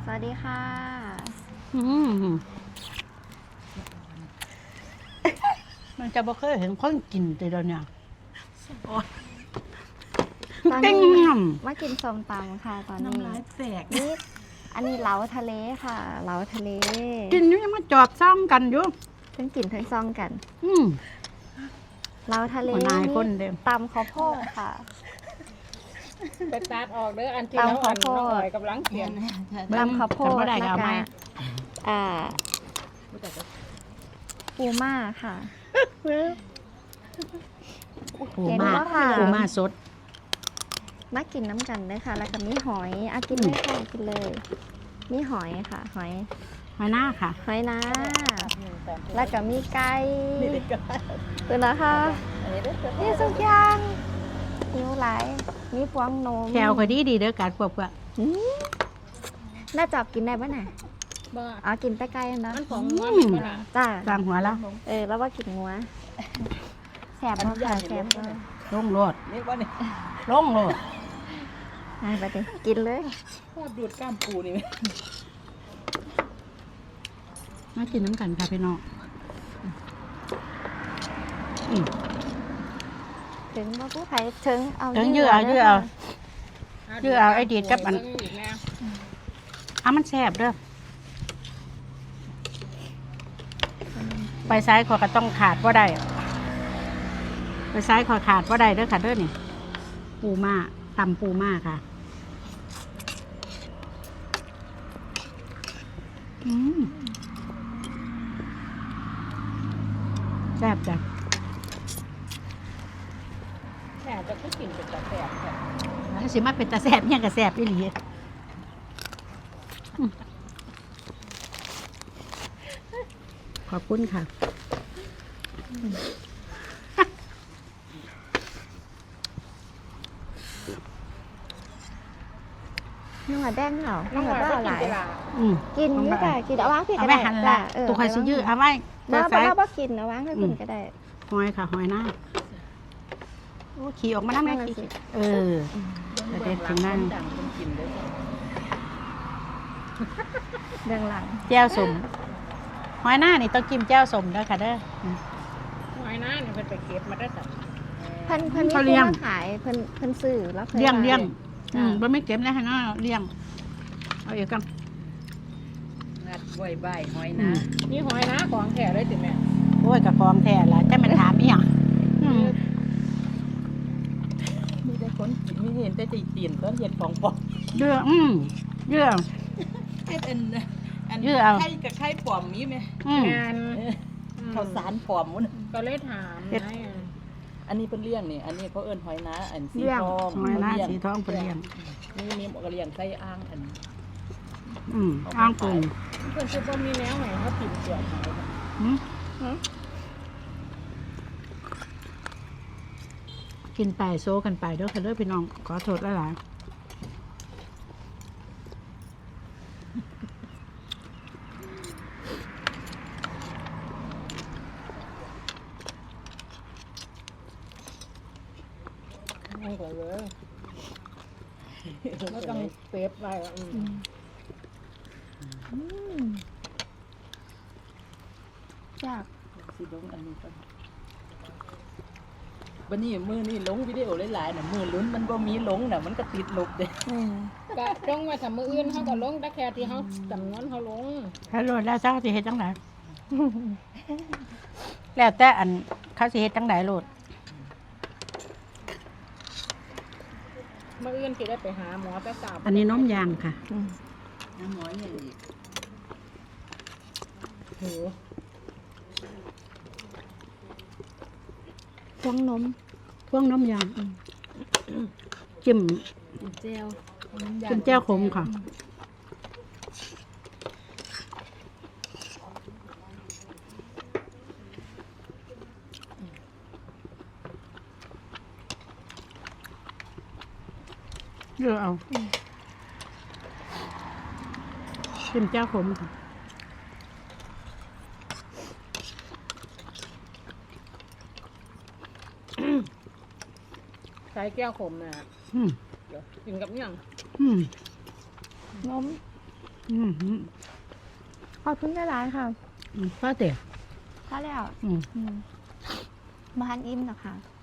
สวัสดีค่ะมันจะบ่เคยเห็นคนกินแต่เดี๋ยวนี้ตอนเต็งนี้ยมากินส้มตำค่ะตอนนี้น้ำลายแตกนี่อันนี้เหลาทะเลค่ะเหลาทะเลำกินอยู่ยังมาจอบซ่องกันอยู่ทั้งกินทั้งซองกันอืมเหลาทะเลหัวหน้าคนเดิมตำข้าวโพดค่ะไปตัดออกเด้ออันที่เราอ่อนน้อยกำลังเขียนตำข้าวโพดจำบ่ได้แล้วก็เอาก็มาอ่าปูม่าค่ะปูเห็นมาแล้วค่ะปูมาสดมากินน้ำกันเลยค่ะ แล้วก็มีหอยกินเลยค่ะกินเลย มีหอยค่ะ หอยมาหน้าค่ะหอยนะแล้วก็มีไก่ตัวนะคะนี่สุกอยางหิวไหลายมีพวงนมแควก็ดีดีเด้อการพวกว่าอืมน่าจับกินได้ปะน่ะบ่อ๋อกินแต่ไก่นะมันของงัวมันบ่ล่ะจ้าสร้างหัวแล้วแล้วว่ากินงัวแสบมากค่ะแสบมากลงโลดนี่ว่านี่ลงโลดไปดิกินเลยชอบดูดก้ามปูนี่ไหมมากินน้ำกันค่ะพี่น้องอืมถึงว่าผู้ไทยถึงเอาถึงยื้อเอายื้อเอา ชื่อเอาไอ้ดีดกับอัน มันแซ่บเด้อไปซ้ายขอก็ต้องขาดว่าได้ไปซ้ายขอขาดว่าได้เด้อค่ะเด้อนี่ปูม่าตำปูม่าค่ะอืมแซ่บจ้ะแค่จะก็กินเป็นตะแสบค่ะถ้าสิมาเป็นตาแซ่บเนี่ยก็แซ่บอีหลีอืมขอบคุณค่ะนัวแดงเหรอนัวบ้าหลายอืมกินนี่ค่ะกินเอาวางพี่เอาก็ไว้ได้หันละจ้ะตัวใครสิยื้อเอาไว้มาซ้ายบ่กินเอาวางให้คุณก็ได้หอยค่ะหอยหน้าโอ้ขี่ออกมาแล้วแม่นั่นน่ะสิขี่เออ เด็ดถึงนั่นดังคนกินเลยเรื่องหลังแจ้วสมหอยหน้านี่ต้องกินแจ้วสมด้วยค่ะเด้อหอยนะนี่เพิ่นไปเก็บมาได้สักเพิ่นมีเขาผู้เลี้ยงมาขายเพิ่นซื้อแล้วเลี้ยงขายเลี้ยงจ้ะบ่ไม่เก็บนะฮะเนาะเลี้ยงเอาอีกกันงัดไว้ใบหอยนะนี่หอยนะของแท้เลยติแม่โอ้ยกับฟองแท้ละจะมันถามอีหยังอืมมีแต่คนกินมีเห็นแต่ตีนต้นเห็ดของปอกเยื่อเยื่อไอ้เป็นอันยื้อเอาไข่กับไข่ปลอมมีไหมอืมงานข้าวสารปลอมมุ้นก็เลยถามเฮ็ดไงอันนี้เป็นเลี้ยงนี่อันนี้เขาเอิ้นหอยนะอันสีเลี้ยงทองหอยหน้าเลี้ยงสีทองเป็นเลี้ยงนี่บอกว่าเลี้ยงไส้อ่างอันอ้างปูเพื่อนจะบ่มีแนวไหนเขาติดเกี่ยวหอยหืมกินไปโซกันไปเด้อค่ะเด้อพี่น้องขอโทษหลายๆไม่ก่อนเลยก็ต้องเซฟไว้อยากสิลงอันนี้ก่อนวันนี้มือนี่ลงวิดีโอหลายๆน่ะมือลุ้นมันบ่มีลงน่ะมันก็ติดลบเด้ก็ลงมาทำมืออื่นเขาก็ลงแต่แค่ที่เขาจำนวนเขาลงถ้าโหลดแล้วเจ้าสิเฮ็ดจังได แล้วแต่อันเขาสิเฮ็ดจังไดโหลดมืออื่นที่ได้ไปหาหมอไปสาบอันนี้น้มยางค่ะน้ำหมอยอย่างอีกโหพวงนมพวกน้มยางจิ้มเจลจิ้มแจ่วขมค่ะเลือกเอาจิ้มแจ่วขมค่ะใช้แก้วขมน่ะอืมเดี๋ยวกินกับเนี่ยงอืมนมอืมขอบคุณหลายๆค่ะก็เตี๋ยพอแล้วอืมบ้านอิ่มนะคะ